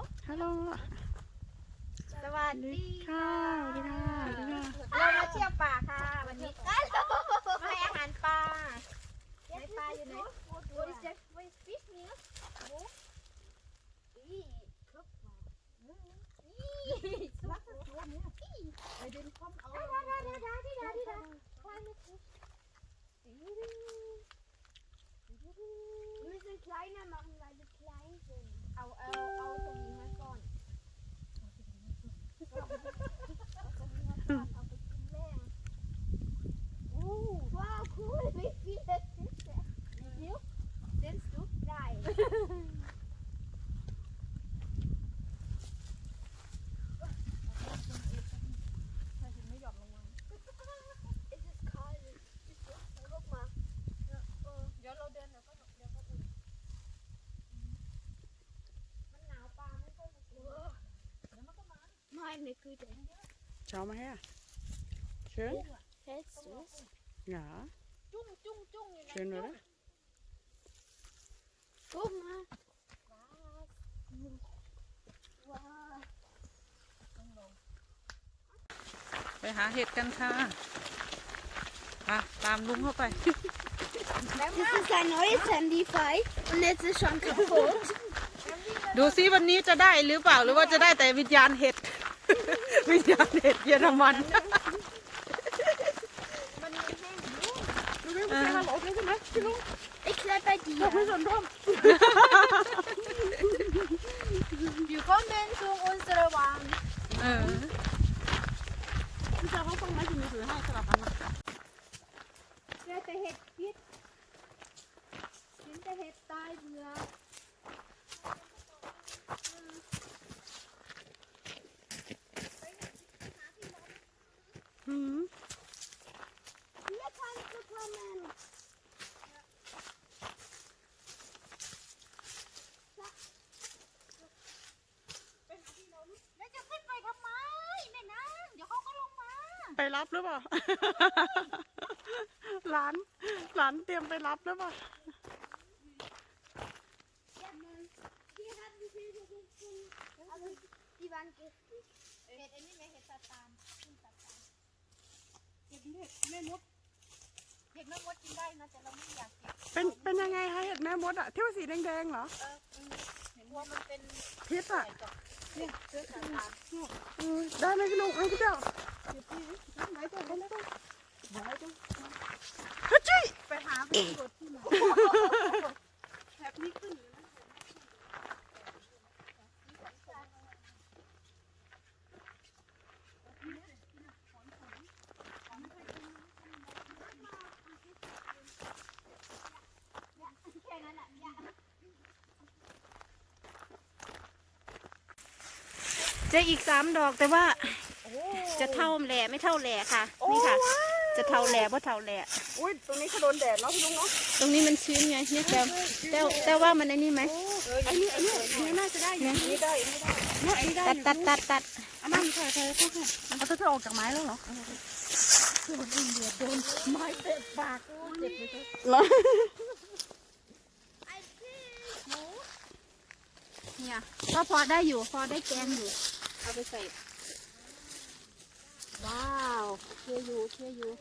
ฮัลโหลสวัสดีค่ะสวัสดีค่ะสวัสดีค่ะเรามาเที่ยวป่าค่ะวันนี้มาให้อาหารปลาในปลาอยู่ไหน What is that? What is fish meal? Wir müssen kleiner machen, weil wir klein sind. เอาตรงนี้มาก่อนเอาไปกินแรงว้าว cool, wie viele Fische. Wie viel? Siehst du? 3. Es ist kalt. Guck mal. เดี๋ยวเราเดินเดี๋ยวก็อุ่นมันหนาวปลาไม่ค่อยมากินเดี๋ยวมันก็มาไม่ไม่คือเด็ก Schau mal her. Schön? Hältst du es? Ja. จุ้งจุ้งจุ้งอยู่ใน Schön, oder? Guck mal. Wow. ไปหาเห็ดกันค่ะตามลุงเข้าไป Das ist ein neues Handy frei und jetzt ist schon kaputt. ดูซิวันนี้จะได้หรือเปล่าหรือว่าจะได้แต่วิญญาณเห็ด วิญญาณเห็ดเยอรมันมันแห้งดูไม่ใช่ฮัลโหลใช่ไหมพี่ลุง Ich bleib bei dir. ไม่สนร่ม Willkommen zu unserer Wand. พี่เจ้าเขาต้องไม้ถึงมือถือให้สลับกันนะเจอแต่เห็ดพิษกินแต่เห็ดตายเบื่อ Hier kannst du kommen.แล้วจะขึ้นไปทำไมแม่นางเดี๋ยวเขาก็ลงมาไปรับหรือเปล่า หลานเตรียมไปรับหรือเปล่า Hier hatten wir Hilfe gefunden, aber die waren giftig. เห็ดอันนี้ไหมเห็ดตาตานขึ้นตาตานเห็ดแม่มดเห็ดแม่มดกินได้นะแต่เราไม่อยากเก็บเป็นยังไงคะเห็ดแม่มดอะที่ว่าสีแดงๆเหรอเห็นว่ามันเป็นพิษอะเนี่ยเชื้อตาตานได้ไหมพี่ลุงพี่เจ้าไว้ตรงนั้นต้องไว้ตรงฮัจจี้ไปหาเป็นกดที่ไหนแบบนี้ขึ้นอยู่นะแค่นั้นแหละจะอีก3 ดอกแต่ว่าจะเท่าแหล่ไม่เท่าแหล่ค่ะนี่ค่ะ จะเท่าแหล่เพราะเท่าแหล่อุ้ยตรงนี้เขาโดนแดดเนาะพี่ลุงเนาะตรงนี้มันชื้นไงเนี่ยแต่ว่ามันไอ้นี่ไหมอันนี้น่าจะได้อันนี้ได้เนาะอันนี้ได้ตัดอันนั้นใช่เอาเธอออกจากไม้แล้วเหรอคือมันเดือดโดนไม้เตะปากเจ็บเลยเหรอเนี่ยก็พอได้อยู่พอได้แกงอยู่เอาไปใส่ว้าวเคี่ยวอยู่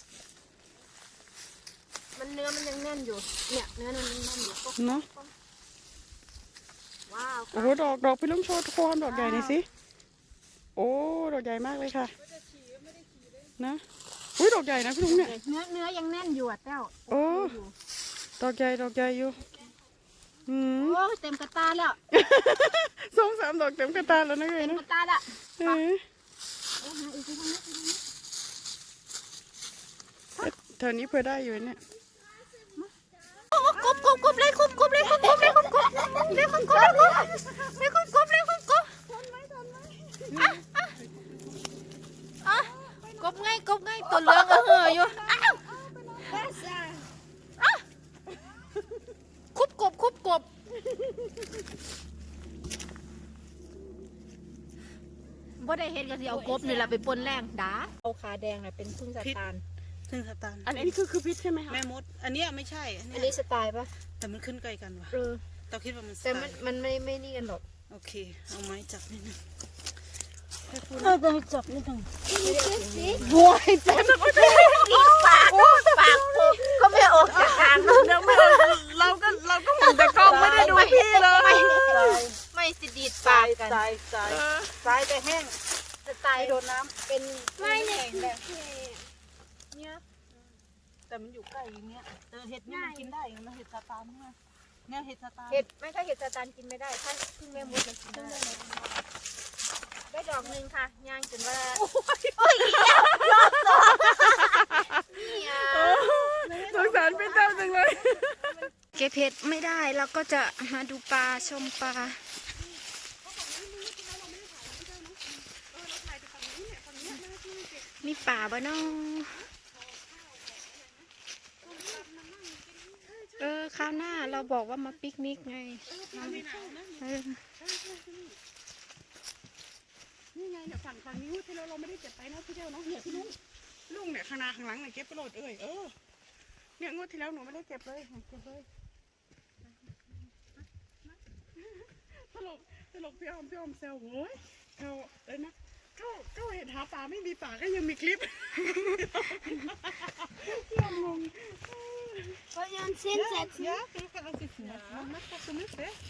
มันเนื้อมันยังแน่นอยู่เนี่ยเนื้อมันยังแน่นอยู่เนาะว้าวโอ้โหดอกพี่ลุงโชว์ความดอกใหญ่หน่อยสิโอ้ดอกใหญ่มากเลยค่ะนะอุ้ยดอกใหญ่นะพี่ลุงเนี่ยเนื้อยังแน่นอยู่อ่ะเต้าโอ้ดอกใหญ่อยู่โอ้เต็มกระตาแล้ว 2-3 ดอกเต็มกระตาแล้วนะเลยเต็มนะกระตาละแถวนี้เพื่อได้อยู่เนี่ยกบเลยกบเลยกบง่ายตัวเหลืองเห่ออยู่คุบกบบ่ได้เห็นก็สิเอากบนี่แหละไปปนแรงด่าเอาขาแดงน่ะเป็นพึ่งสตานซึ่งสตาร์อันนี้คือพิษใช่ไหมคะแม่มดอันนี้ไม่ใช่อันนี้สไตล์ปะแต่มันขึ้นใกล้กันว่ะเออเราคิดว่ามันแต่มันไม่นี่กันหรอกโอเคเอาไม้จับนิดนึงให้คุณต้องจับนิดนึงบัวให้จับปากก็ไม่ออกจากทางเลยเราก็มองแต่กล้องไม่ได้ดูพี่เลยไม่สิดีดทราปากยกันทรายทรายทรายแต่แห้งจะตายไม่โดนน้ำเป็นไม่เนี่ยเนี่ยแต่มันอยู่ใกล้อย่างเงี้ยเห็ดนี่มันกินได้นะเห็ดสตาร์เนี่ยเนี่ยเห็ดสตาร์เห็ดไม่ถ้าเห็ดสตันกินไม่ได้ถ้าพึ่งแม่มดมันกินได้ได้ดอกหนึ่งค่ะย่างจนว่าโอ้ยรอบสองนี่อ่ะสงสารพี่เจ้าจังเลยเก็บเห็ดไม่ได้เราก็จะมาดูปลาชมปลามีป่าบ้าน้องคราวหน้าเราบอกว่ามาปิกนิกไงเออนี่ไงเนี่ยฝั่งนี้ที่เราไม่ได้เก็บไปนะพี่เจ้าเนาะเนี่ยพี่ลุงเนี่ยข้างหน้าข้างหลังเนี่ยเก็บไปโหลดเนี่ยงวดที่แล้วหนูไม่ได้เก็บเลยเก็บเลยตลกพี่ออมแซวโว้ยเขาเลยนะก็เห็นหาปลาไม่มีปลาก็ยังมีคลิปพี่ออมงง Wollen wir uns hinsetzen? Ja, wir können uns sitzen. Ja. Mach das so mit, ne?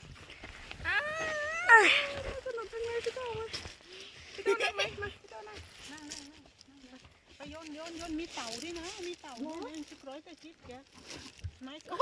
สนุกจังเลยพี่เจ้ามาพี่เจ้านั่งไหมมาพี่เจ้านั่งไปโยนมีเต่าด้วยนะมีเต่าเนี่ยชิบร้อยแต่ชิบแกไม่ก็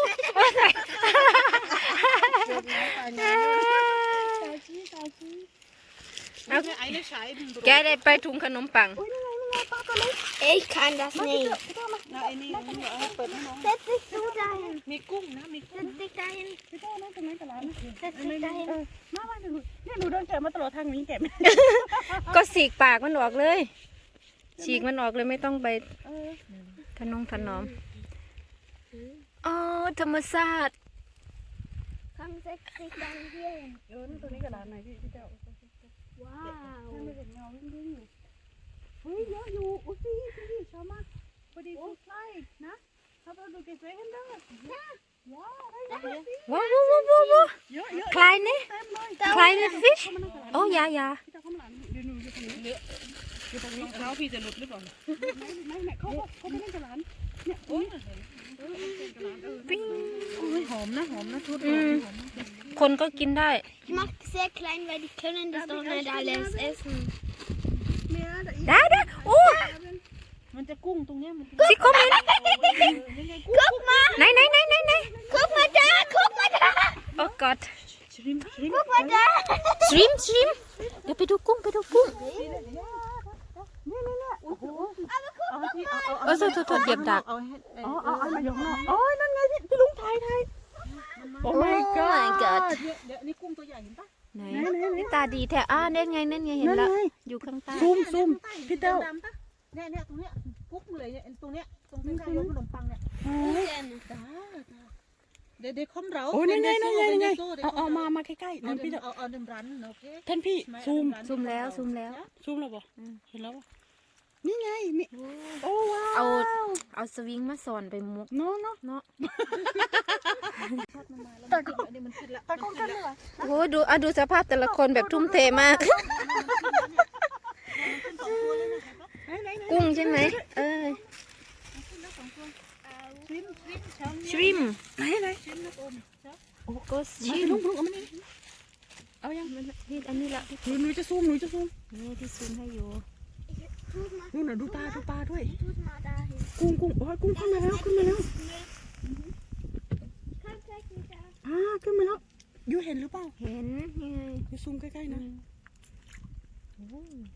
แกได้ไปถุงขนมปัง Ich kann das nicht. นะไอ้นี่เอาเปิดให้น้อง Setz dich du dahin. มีกุ้งนะมีกุ้ง Setz dich dahin. พี่เจ้านั่งตรงไหนกับร้านนะ Setz dich dahin. มาเนี่ยหนูเดินแกะมาตลอดทางนี้แกะก็สีกปากมันออกเลยฉีกมันออกเลยไม่ต้องไปถนอมอ๋อธรรมชาติ Komm, setz dich dann hier hin. ตัวนี้กับร้านไหนพี่เจ้า Wow. ไม่เห็นเงาวิ่งอยู่เฮ้ยเยอะอยู่อุ้ยพี่ชอบมากพอดีสุดไล่นะถ้าเราดูเก็บไว้ให้ได้ว้าวได้เยอะว้าวเยอะคลายนี่เต็มเลยคลายนี่ฟิชโอ้ยาพี่เจ้าข้างหลังเดี๋ยวหนูอยู่ตรงนี้อยู่ตรงนี้เท้าพี่จะหลุดหรือเปล่าไม่เขาไม่เล่นกับร้านเนี่ยโอ้ยปิ้งหอมนะทุดคนก็กินได้ Ich mach sehr klein, weil die können das doch nicht alles essen. ได้โอ้มันจะกุ้งตรงเนี้ยมันสิคอมเมนต์ Guck mal. ไหน Guck mal da. Guck mal da. โอ้กอด Guck mal da. ชริมเดี๋ยวไปดูกุ้ง โอ้โทษเหยียบดักเอามายกเนาะโอ้ยนั่นไงพี่ลุงถ่ายโอ้ my god เดี๋ยวนี่กุ้งตัวใหญ่เห็นปะไหนตาดีแท้เน่นไงเห็นแล้วอยู่ข้างใต้ซูมพี่เต้าเนี่ยตรงเนี้ยกุ๊กเลยเนี่ยตรงเนี้ยตรงใกล้ๆขนมปังเนี่ยเดี๋ยวคอมเราโอ้ยนั่นไงเอามาใกล้ๆนั่นพี่เต้าเอาเดิมรันโอเคท่านพี่ซูมแล้วซูมแล้วบ่เห็นแล้วนี่ไงมีโอ้ว้าเอาสวิงมาสอนไปมุกเนาะเนาะตะกล้องกันเลยโอ้ดูสภาพแต่ละคนแบบทุ่มเทมาก กุ้งใช่ไหมชริมไหนโอ้ก็ชริมลุงเอามานี่เอายังนี่อันนี้ละหนูจะซูมนี่ที่ซูมให้อยู่นู่นน่ะดูปลาด้วย Tut mal dahin. กุ้งโอ้ยกุ้งขึ้นมาแล้ว Komm, zeig mich da. ขึ้นมาแล้วยูเห็นหรือเปล่าเห็นนี่ไงยูซูมใกล้ๆนะโอ้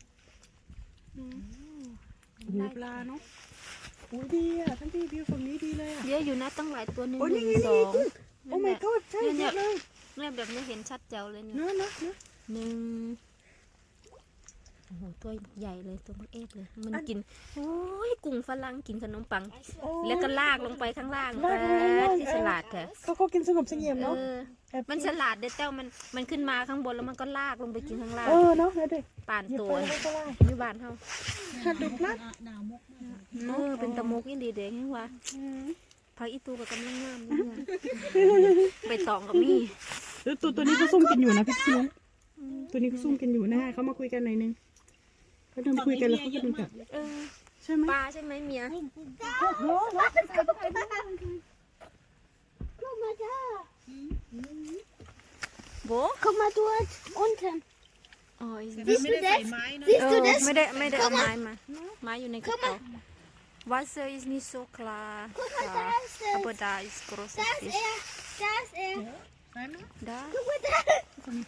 ปลาเนาะโอ้ดีอ่ะท่านพี่วิวฝั่งนี้ดีเลยอ่ะเยอะอยู่นะตั้งหลายตัวหนึ่งโอ้นี่สองโอ้ my god ใช่เยอะเลยเนี่ยแบบนี้เห็นชัดเจ๋วเลยเนี่ยเนาะหนึ่งโอ้โหตัวใหญ่เลยตัวมันเอฟเลยมันกินโอ้ยกุ้งฝรั่งกินขนมปัง แล้วก็ลากลงไปข้างล่างที่ฉลาดแท้เขากินสงบเสงี่ยมเนาะมันฉลาดเด็ดเต้ามันขึ้นมาข้างบนแล้วมันก็ลากลงไปกินข้างล่างเนาะเลยดิป่านตัวอยู่บ้านเฮาดูปลาหนาวมกเป็นตะมุกยิ่งดีเด็กยังว่าพักอีตูกับกำลังงามนี่ไงใบตองกับมี่ตัวนี้เขาซุ่มกันอยู่นะพี่นุ้งตัวนี้เขาซุ่มกันอยู่นะเขามาคุยกันหน่อยนึงเขาเดินคุยกันแล้วเขาก็เดินกลับเออใช่ไหมปลาใช่ไหมเมีย Guck mal da. โบ Guck mal dort unten. อ๋อแต่มันไม่ได้ใส่ไม้เนาะ Siehst du das? ไม่ได้เอาไม้มาไม้อยู่ในกระเป๋า Wasser ist nicht so klar Guck mal, da ist es. aber da ist großer Da ist Fisch er. Da ist er. ใช่ไหม da Guck mal da.